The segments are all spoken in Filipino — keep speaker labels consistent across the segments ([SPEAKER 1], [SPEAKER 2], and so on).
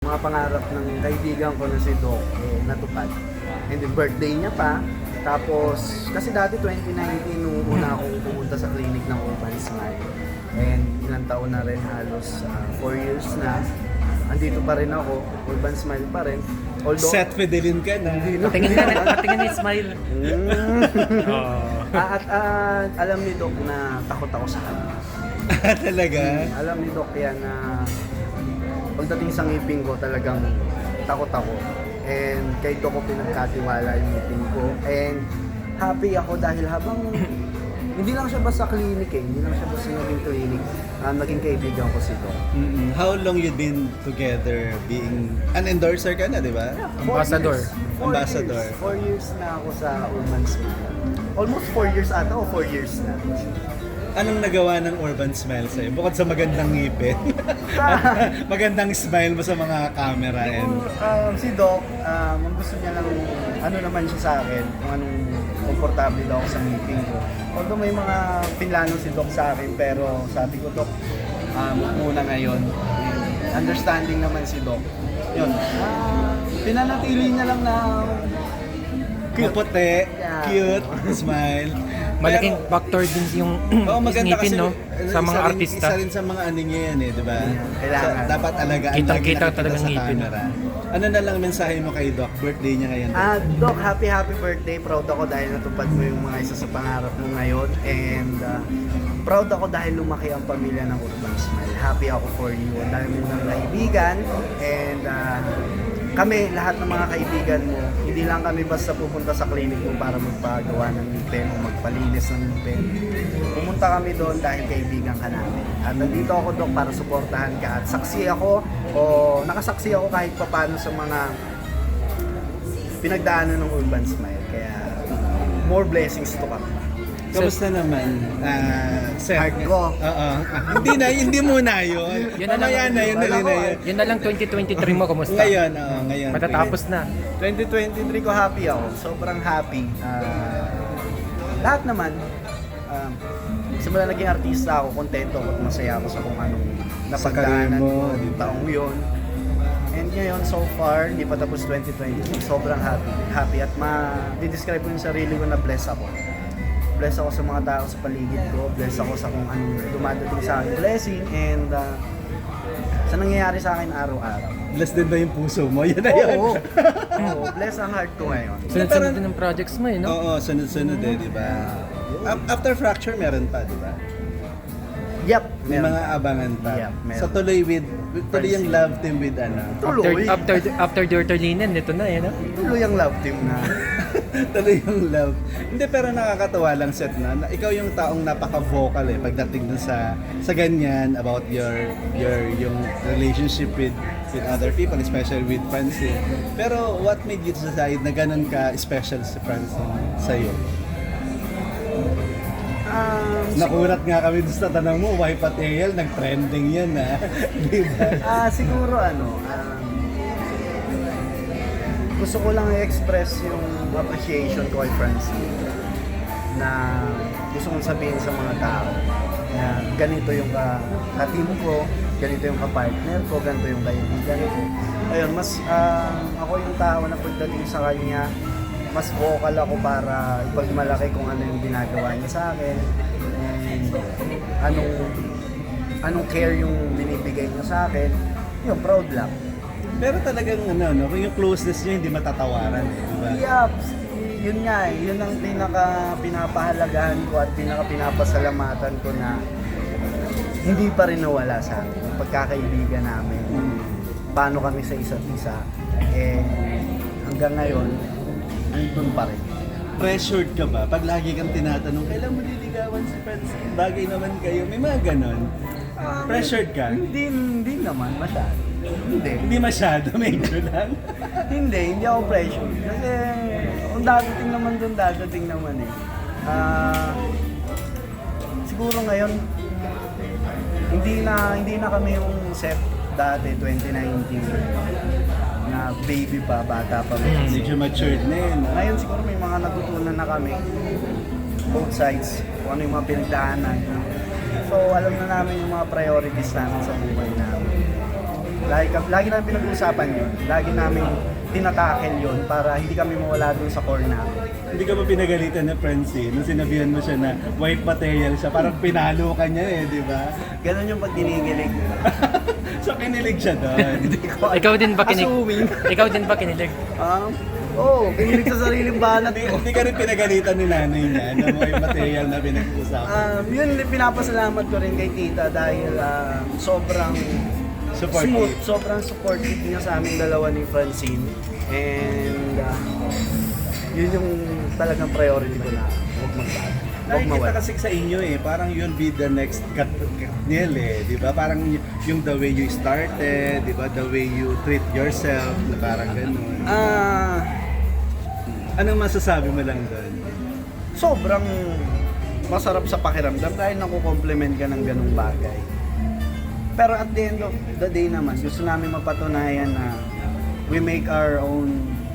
[SPEAKER 1] mga pangarap ng kaibigan ko na si Doc, natupad. And then birthday niya pa. Tapos, kasi dati 2019 nung una akong pumunta sa clinic ng Urban Smile. And ilang taon na rin, halos 4 years na. Andito pa rin ako, Urban Smile pa rin. Although,
[SPEAKER 2] Set Fidelin ka na.
[SPEAKER 3] Patingin ni Smile.
[SPEAKER 1] At alam ni Doc na takot ako sa kanya.
[SPEAKER 2] Talaga?
[SPEAKER 1] Alam ni Doc yan na pagdating sa ngipin ko talagang takot ako. And kay Doc ko pinagkatiwala yung ngipin ko. And happy ako dahil habang hindi lang siya basta clinic hindi lang siya basta naging clinic, naging kaibigan ko si Doc.
[SPEAKER 2] How long you been together being an endorser ka na, di ba?
[SPEAKER 3] Ambassador.
[SPEAKER 2] Ambassador.
[SPEAKER 1] 4 years na ako sa Urban Smile. Almost 4 years ata o 4 years na.
[SPEAKER 2] Anong nagawa ng Urban Smile sa'yo? Bukod sa magandang ngipin. Magandang smile mo sa mga camera and...
[SPEAKER 1] Si Doc, ang gusto niya lang, ano naman siya sa akin, kung anong komportable daw ako sa ngipin ko. Although may mga pinlano si Doc sa akin, pero sabi ko, Doc, muna ngayon. Understanding naman si Doc. Yun. Pinanatili niya lang na
[SPEAKER 2] Maputi,
[SPEAKER 1] Yeah.
[SPEAKER 2] cute, smile.
[SPEAKER 3] Malaking
[SPEAKER 2] Pero-
[SPEAKER 3] factor din yung
[SPEAKER 2] Oo, maganda
[SPEAKER 3] ngipin,
[SPEAKER 2] kasi
[SPEAKER 3] no? Sa mga
[SPEAKER 2] isa
[SPEAKER 3] artista.
[SPEAKER 2] Isa rin sa mga ano niya yan di ba?
[SPEAKER 1] Kailangan.
[SPEAKER 2] So, dapat alagaan
[SPEAKER 3] Kitang-kita
[SPEAKER 2] lagi nakikita
[SPEAKER 3] talagang
[SPEAKER 2] sa
[SPEAKER 3] ngipin.
[SPEAKER 2] camera. Ano na lang mensahe mo kay Doc? Birthday niya ngayon.
[SPEAKER 1] Doc, happy birthday. Proud ako dahil natupad mo yung mga isa sa pangarap mo ngayon. And proud ako dahil lumaki ang pamilya ng Urban Smile. Happy ako for you. Ang dami mo ng kaibigan. And kami, lahat ng mga kaibigan mo, hindi lang kami basta pupunta sa clinic mo para magpagawa ng ngipin o magpalinis ng ngipin. Pumunta kami doon dahil kaibigan ka namin. At nandito ako, Doc, para suportahan ka. At saksi ako, o nakasaksi ako kahit papano sa mga pinagdaanan ng Urban Smile. Kaya, more blessings to come.
[SPEAKER 2] Kamusta naman? Seth?
[SPEAKER 1] Heart ko.
[SPEAKER 2] Oo. Hindi muna yun.
[SPEAKER 3] Yun na lang.
[SPEAKER 2] Mamaya na yun, dali na yun.
[SPEAKER 3] Yun na lang 2023 mo, kumusta?
[SPEAKER 2] Ngayon, ngayon.
[SPEAKER 3] Matatapos na.
[SPEAKER 1] 2023 ko happy ako. Sobrang happy. Lahat naman, simula naging artista ako, kontento ako at masaya ako sa kung anong napagdaanan
[SPEAKER 2] mo,
[SPEAKER 1] ko yung taong yun. And ngayon, so far, hindi pa tapos 2023, sobrang happy. Happy at ma-describe ko yung sarili ko na blessed ako. Blessed ako sa mga tao sa paligid ko, blessed ako sa kung anong dumadating sa akin blessing, and sa nangyayari sa akin araw-araw.
[SPEAKER 2] Blessed din ba yung puso mo? Yun na yun.
[SPEAKER 1] Oo, bless ang heart ko ngayon.
[SPEAKER 3] Sunod-sunod din ng projects mo, eh, no?
[SPEAKER 2] Oo, sunod-sunod di ba? After Fracture, meron pa, di ba?
[SPEAKER 1] Yep,
[SPEAKER 2] May
[SPEAKER 1] meron.
[SPEAKER 2] mga abangan pa.
[SPEAKER 1] Yeah, meron.
[SPEAKER 2] So tuloy yung love team with
[SPEAKER 1] Tuloy.
[SPEAKER 3] After Dirty Linen, ito na, eh, no?
[SPEAKER 1] Tuloy ang love team na.
[SPEAKER 2] tuloy yung love. Hindi, pero nakakatawa lang set na ikaw yung taong napaka-vocal pagdating dun sa ganyan about yung relationship with other people, especially with Francine. Pero what made you decide na ganun ka special si Francine sa'yo? Nakulat nga kami doon sa tanong mo, why Patiel, nag-trending yan di ba?
[SPEAKER 1] Siguro gusto ko lang i-express yung appreciation ko kay Francine na gusto kong sabihin sa mga tao na ganito yung ka-team ko, ganito yung ka-partner ko, ganito yung kaibigan ko. Ayun, mas ako yung tao na pagdating sa kanya, mas vocal ako para ipagmalaki kung ano yung ginagawa niya sa akin and anong care yung binibigay niya sa akin. Yun, proud lang.
[SPEAKER 2] Pero talagang kung yung closeness niya hindi matatawaran di ba?
[SPEAKER 1] Yeah, yun nga yun ang pinapahalagahan ko at pinapasalamatan ko na hindi pa rin nawala sa akin yung pagkakaibigan namin. Paano kami sa isa't isa. Hanggang ngayon, andun pa rin.
[SPEAKER 2] Pressured ka ba? Pag lagi kang tinatanong, kailan mo liligawan si Francine? Bagay naman kayo. May mga ganon. Pressured ka?
[SPEAKER 1] Hindi naman masyado.
[SPEAKER 2] Hindi masyado, medyo lang.
[SPEAKER 1] Hindi ako pressure. Kasi kung dadating naman dun, dadating naman eh. Siguro ngayon, hindi na kami yung set dati, 2019, na baby pa, bata pa.
[SPEAKER 2] Medyo matured na yun.
[SPEAKER 1] Ngayon siguro may mga natutunan na kami, both sides, kung ano yung mga pinagdaanan. So alam na namin yung mga priorities namin sa buhay namin. Lagi namin pinag-uusapan yun. Lagi namin tinatakel yun para hindi kami mawala dun sa core namin.
[SPEAKER 2] Hindi ka ba pinagalitan na Francine nung sinabihan mo siya na white material siya? Parang pinalo ka niya eh, di ba?
[SPEAKER 1] Ganon yung pag dinigilig.
[SPEAKER 2] So kinilig siya doon.
[SPEAKER 3] Ikaw din ba kinig?
[SPEAKER 1] Assuming.
[SPEAKER 3] Ikaw din ba kinilig?
[SPEAKER 1] Kinilig sa sariling banat ko.
[SPEAKER 2] Hindi ka rin pinagalitan ni nanay niya na white material na pinag-usapan.
[SPEAKER 1] Yun, pinapasalamat ko rin kay tita dahil sobrang
[SPEAKER 2] Supportive.
[SPEAKER 1] smooth, sobrang supportive niya sa aming dalawa ni Francine. And yun yung talagang priority ko na huwag magbago. Huwag
[SPEAKER 2] Nakikita
[SPEAKER 1] mawala.
[SPEAKER 2] kasi sa inyo eh, parang you'll be the next Katniel eh, di ba? Parang yung the way you started, di ba? The way you treat yourself, na parang ganun. Anong masasabi mo lang doon?
[SPEAKER 1] Sobrang masarap sa pakiramdam dahil nakukompliment ka ng ganung bagay. Pero at the end of the day naman, gusto namin mapatunayan na we make our own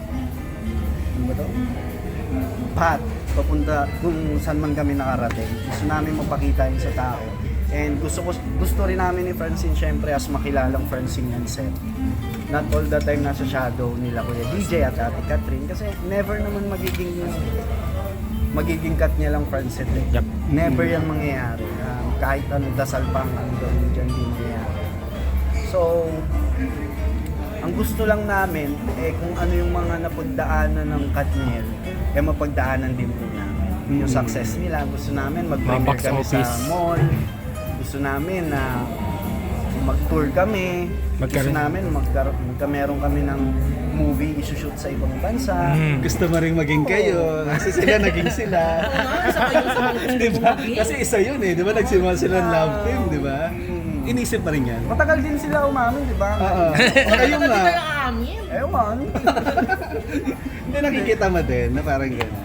[SPEAKER 1] path papunta kung saan man kami nakarating. Gusto namin mapakita yun sa tao. And gusto rin namin ni Francine syempre as makilalang Francine yan set. Not all the time nasa shadow nila Kuya DJ at Ate Catherine kasi never naman magiging cut niya lang Francine.
[SPEAKER 3] Yep.
[SPEAKER 1] Never yan mangyayari. Kahit ano dasal pang ang gawin dyan, hindi mangyayari. So, ang gusto lang namin, kung ano yung mga napagdaanan ng Katniel, mapagdaanan din po namin. Yung success nila, gusto namin mag-premiere
[SPEAKER 3] Box
[SPEAKER 1] kami sa
[SPEAKER 3] office.
[SPEAKER 1] mall. Gusto namin na mag-tour kami. Gusto namin meron kami ng movie isushoot sa ibang bansa.
[SPEAKER 2] Gusto mo rin maging kayo, kasi sila naging sila. Di ba? Kasi isa yun eh, di ba? Nagsimula sila ng love team, di ba? Inisip pa rin yan.
[SPEAKER 1] Matagal din sila umamin, di ba?
[SPEAKER 2] Oo. Kayo nga.
[SPEAKER 1] Ewan.
[SPEAKER 2] Hindi nakikita mo din na parang gano'n.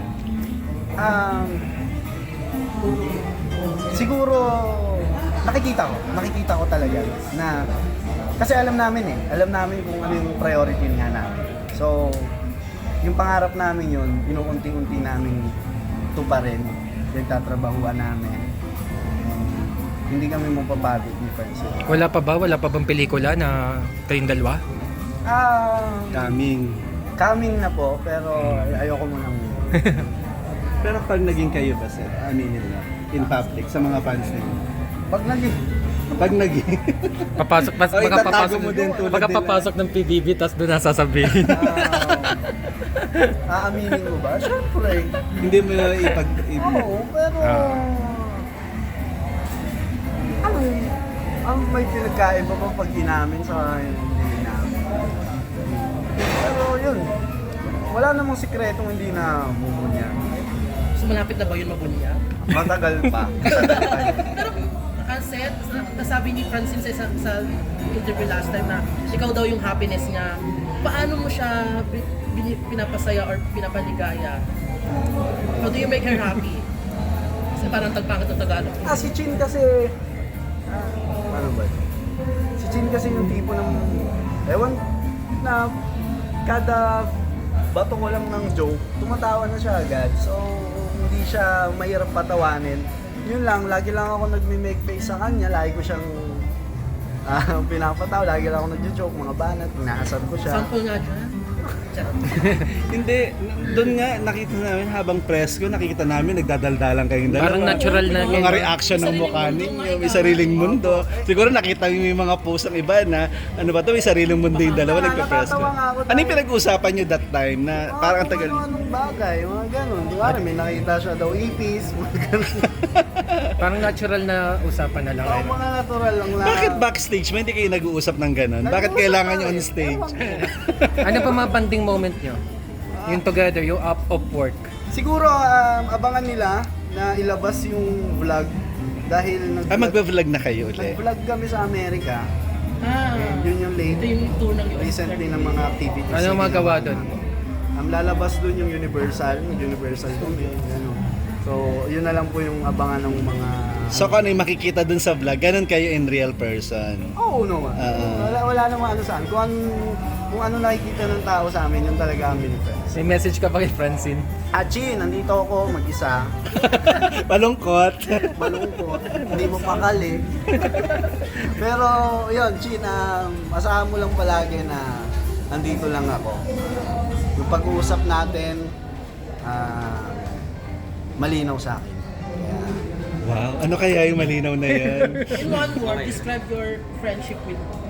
[SPEAKER 1] Siguro nakikita ko talaga na kasi alam namin kung ano yung priority nga namin. So, yung pangarap namin yun, inuunti-unti namin tuparin, yung tatrabahuan namin. Hindi kami mapapagod ni Francine.
[SPEAKER 3] Wala pa bang pelikula na kayong dalawa?
[SPEAKER 1] Coming na po, pero ayoko munang
[SPEAKER 2] Pero pag naging kayo ba, sir, aminin mo, in public, sa mga fans ninyo?
[SPEAKER 1] pag
[SPEAKER 2] Naging...
[SPEAKER 3] Papasok,
[SPEAKER 2] O, itatago mo din tulad nila.
[SPEAKER 3] papasok ng PBB tapos doon nasasabihin.
[SPEAKER 1] aaminin mo ba? Siyempre.
[SPEAKER 2] Hindi mo
[SPEAKER 1] Oo, pero... ang may pinagkaiba pa pag inamin sa hindi namin. Pero yun, wala namang sikretong hindi na bubunya.
[SPEAKER 4] So malapit na ba yun mabunya?
[SPEAKER 1] Matagal pa.
[SPEAKER 4] Pero kasi nasabi ni Francine sa interview last time na ikaw daw yung happiness niya. Paano mo siya pinapasaya or pinapaligaya? How do you make her happy? Kasi parang tagpangit ng Tagalog.
[SPEAKER 1] Si Chin kasi... ano ba? Si Chin kasi yung tipo ng... Ewan na kada bato ko lang ng joke, tumatawa na siya agad. So, hindi siya mahirap patawanin. Yun lang, lagi lang ako nagme-make face sa kanya. Lagi ko siyang pinapatawa. Lagi lang ako nagjo-joke, mga banat. Inaasar ko siya.
[SPEAKER 4] Sample nga dyan. Charot.
[SPEAKER 2] Hindi, doon nga nakita namin habang press ko, nakikita namin nagdadaldalan kayong dalawa.
[SPEAKER 3] Parang natural na
[SPEAKER 2] Yung mga reaction ng mukha ninyo, may sariling mundo. Siguro nakita niyo yung mga post ng iba na ano ba to, may sariling mundo yung dalawa, nagpa-press ko.
[SPEAKER 1] Nakakatawa nga ako
[SPEAKER 2] Ano yung pinag-uusapan niyo that time na parang ang tagal?
[SPEAKER 1] Anong bagay, mga ganun. Di ba, may nakita siya daw ipis, mga ganun.
[SPEAKER 3] Parang natural na usapan na lang.
[SPEAKER 1] Oo, mga natural lang na.
[SPEAKER 2] Bakit backstage mo hindi kayo nag-uusap ng ganun? Bakit kailangan nyo on stage?
[SPEAKER 3] Ano pa mga banding moment nyo? Yung together, yung up of work.
[SPEAKER 1] Siguro abangan nila na ilabas yung vlog dahil
[SPEAKER 2] Magpa-vlog na kayo ulit.
[SPEAKER 1] nag-vlog kami sa Amerika. And yun yung
[SPEAKER 4] Ito
[SPEAKER 1] late
[SPEAKER 4] yung tour ng
[SPEAKER 1] recently ng mga activities.
[SPEAKER 3] Ano ang magawa doon?
[SPEAKER 1] Ang lalabas doon yung Universal kami. Ano. So, yun na lang po yung abangan ng mga...
[SPEAKER 2] So kung ano yung makikita dun sa vlog, ganun kayo in real person.
[SPEAKER 1] Oo naman.
[SPEAKER 2] Oo.
[SPEAKER 1] Wala namang ano saan. Kung kung ano nakikita ng tao sa amin, yun talaga kami ni friends.
[SPEAKER 3] May message ka pa kay Francine.
[SPEAKER 1] Chin, nandito ako mag-isa.
[SPEAKER 2] Malungkot.
[SPEAKER 1] Malungkot, hindi mo pakali. Pero yun, Chin, asahan mo lang palagi na nandito lang ako. Yung pag-uusap natin, malinaw sa akin.
[SPEAKER 2] Wow, ano kaya yung malinaw na yan?
[SPEAKER 4] In one word, describe your friendship with